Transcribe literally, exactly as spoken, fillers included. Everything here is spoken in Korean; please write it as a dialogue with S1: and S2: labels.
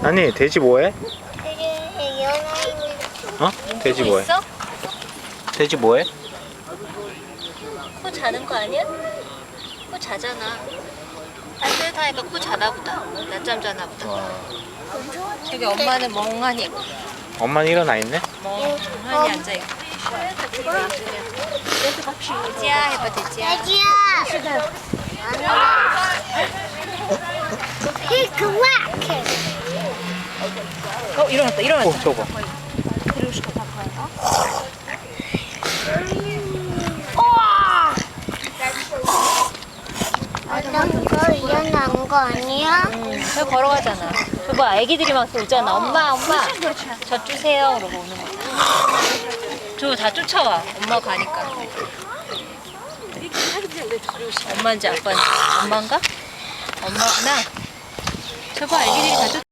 S1: 아니 돼지 뭐해?
S2: 되게 연하인
S1: 어? 돼지 뭐해?
S3: 있어?
S1: 돼지 뭐해?
S3: 코 자는 거 아니야? 코 자잖아. 따뜻하니까 코 자나 보다. 낮잠 자나 보다.
S1: 와,
S3: 저기 엄마는 멍하니
S1: 엄마는 일어나 있네?
S3: 멍하니 앉아 있고. 돼지야 해봐 돼지야.
S2: 돼지야. 히 그만.
S3: 어 일어났다 일어났다.
S1: 어 저거
S2: 어떤 거 일어난 거 아니야?
S3: 응, 저 걸어가잖아. 저 뭐 애기들이 막 오잖아. 엄마 엄마 저 주세요 그러고 오는 거야. 저 다 쫓아와. 엄마 가니까. 엄마인지 아빠인지. 엄마인가? 엄마구나. 저거 애기들이 다 쫓아.